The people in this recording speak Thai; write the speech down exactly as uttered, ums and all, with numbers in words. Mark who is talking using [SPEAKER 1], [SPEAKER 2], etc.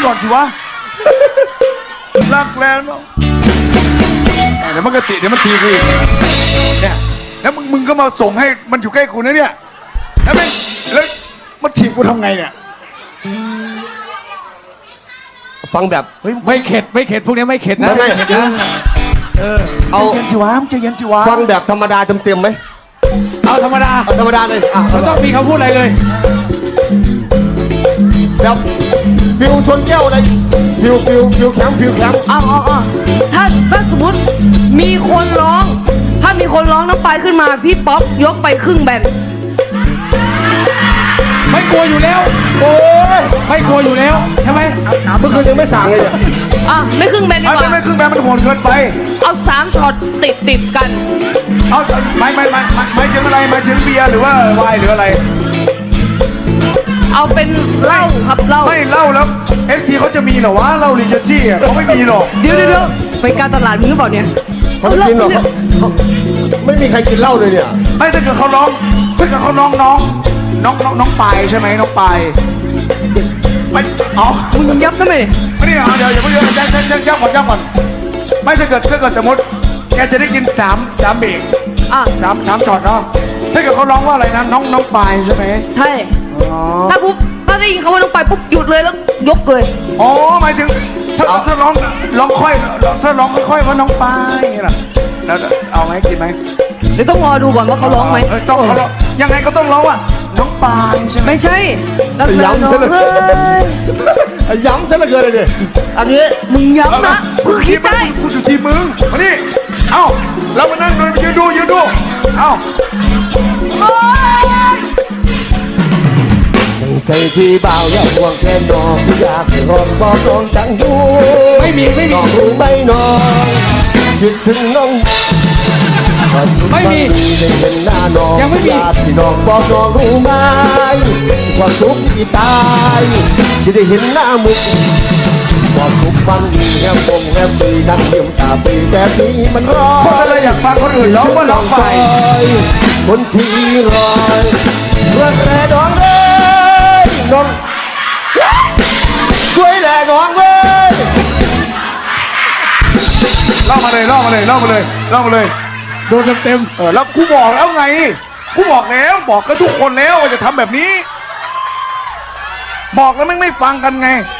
[SPEAKER 1] ก่อนสิวะรักแล้วเนาะเดี๋ยวมันก็ติเดี๋ยวมันทีกูอีกเนี่ยแล้วมึงมึงก็มาส่งให้มันอยู่ใกล้กูนะเนี่ยแล้วไม่แล้วมันถีบกูทำไงเนี่ย
[SPEAKER 2] ฟังแบบ
[SPEAKER 1] เฮ้ย
[SPEAKER 3] ไม่เข็ดไม่เข็ดพวกนี้ไม่เข็ดนะ
[SPEAKER 2] ไม่ไม่
[SPEAKER 3] เข็ดนะเออ
[SPEAKER 1] เอาเย็นสิวะมึงจะเย็นสิวะ
[SPEAKER 2] ฟังแบบธรรมดาเต็มๆไหม
[SPEAKER 3] เอาธรรมดา
[SPEAKER 2] เอาธรรมดาเลยอ่ะ
[SPEAKER 3] ไม่ต้องมีคำพูดอะไรเลย
[SPEAKER 2] แบบฟิวชนแก้วอะไรฟิวฟิวฟิวแข็งฟิวแข็ง
[SPEAKER 4] อ๋ออ๋ออ๋อถ้าถ้าสมมติมีคนร้อง ถ้ามีคนร้องน้ำปลายขึ้นมาพี่ป๊อปยกไปครึ่งแบน
[SPEAKER 3] ไม่กลัวอยู่แล้ว
[SPEAKER 2] โอ้ย
[SPEAKER 3] ไม่กลัวอยู่แล้วใช่ไหม
[SPEAKER 2] เมื่อคืนยังไม่สั่งเลยเนี่ย
[SPEAKER 4] อ่ะไม่ครึ่งแบนดี
[SPEAKER 1] ไม่
[SPEAKER 4] กว่า
[SPEAKER 1] ไม่ไม่ครึ่งแบนมันโหดเกินไป
[SPEAKER 4] เอาสามช็อตติดติดกัน
[SPEAKER 1] เอาไม่ไม่ไม่ไม่ไม่ถึงอะไรไม่ถึงเบียร์หรือว่าไวน์หรืออะไร
[SPEAKER 4] เอาเป็นเหล้าครับเหล้า
[SPEAKER 1] ไม่เหล้าแล้วเอฟซีเขาจะมีเหรอวะเหล้าลิเจซี่อ่ะเขาไม่มีหรอก
[SPEAKER 4] เดี๋ยวเดี๋ยวเดี๋ยวไปการตลาดมึงหรือเปล่าเนี่ย
[SPEAKER 2] เขาไม่กินหรอกเขาเขาไม่มีใครกินเหล้าเลยเนี่ย
[SPEAKER 1] ไม่ถ้าเกิดเขาร้องถ้าเกิดเขาน้องน้องน้องน้องน้องปายใช่ไหมน้องปายไม่เอา
[SPEAKER 4] มึงยับได้ไหม
[SPEAKER 1] ไม่ได้เอาเดี๋ยวอย่าเพิ่งเยอะยังยังยังก่อนยังก่อนไม่ถ้าเกิดถ้าเกิดสมมติแกจะได้กินสามสามเบรก
[SPEAKER 4] อ่ะ
[SPEAKER 1] สามสามช็อตเนาะถ้าเกิดเขาร้องว่าอะไรนะน้องน้องปายใช่ไหม
[SPEAKER 4] ใช่
[SPEAKER 1] อ๋อ
[SPEAKER 4] ถ้าปุ๊บถ้าได้ยินคำว่าน้องปลายปุ๊บหยุดเลยแล้วยกเลย
[SPEAKER 1] อ๋อหมายถึงถ้าถ้าร้องร้องค่อยถ้าร้องค่อยๆว่าน้องปายน่ะแล้วเอาไหมกินไหม
[SPEAKER 4] เดี๋ยวต้องรอดูก่อนว่าเขาร้องไหม
[SPEAKER 1] เต้องเขาร้องยังไงก็ต้องร้องว่าน้องปายใช่ไหม
[SPEAKER 4] ไม่ใช่แล้ว
[SPEAKER 2] ย้ำซะเลย
[SPEAKER 4] เฮ้ย
[SPEAKER 2] ย้ำซะเหลือเกินเลยเนี่ยอันนี้
[SPEAKER 4] มึงย้ำนะมึงคิดได้
[SPEAKER 1] กูอยู่ที่มึงมานี่เอ้าเรามานั่งดูยืนดูยืนดูเอ้า
[SPEAKER 4] โอ๊ย
[SPEAKER 2] ใจที่เบาอย่าห่วงแค่น้องอยากให้รอนบอกน้องจังอยู่
[SPEAKER 3] ไม่มีไม่มี
[SPEAKER 2] น้องรู้ไหมน้องคิดถึงน้องวันสุด
[SPEAKER 3] ไม่มี
[SPEAKER 2] วันนี้ได้เห็นหน้าน้อง
[SPEAKER 3] ยังไม่มี
[SPEAKER 2] อยากที่น้องบอกน้องรู้ไหมความสุขที่ตายที่ได้เห็นหน้ามึงความสุขมันดีแฮมปงแฮมปีนั่งเยี่ยมตาปีแต่ปีมันร้อน
[SPEAKER 1] คนอะไรอยากฟังคนอื่นร้องว่าร้องไป
[SPEAKER 2] คนที่รอยเพื่อนแต่น้องเลยน้องช่วยแหล่น้องเลย
[SPEAKER 1] เล่ามาเลยเล่ามาเลยเล่ามาเลยเล่ามาเลย
[SPEAKER 3] โดนเต็ม
[SPEAKER 1] เออแล้วกูบอกแล้วไงกูบอกแล้วบอกกับทุกคนแล้วว่าจะทำแบบนี้ บอกแล้วไม่ไม่ฟังกันไง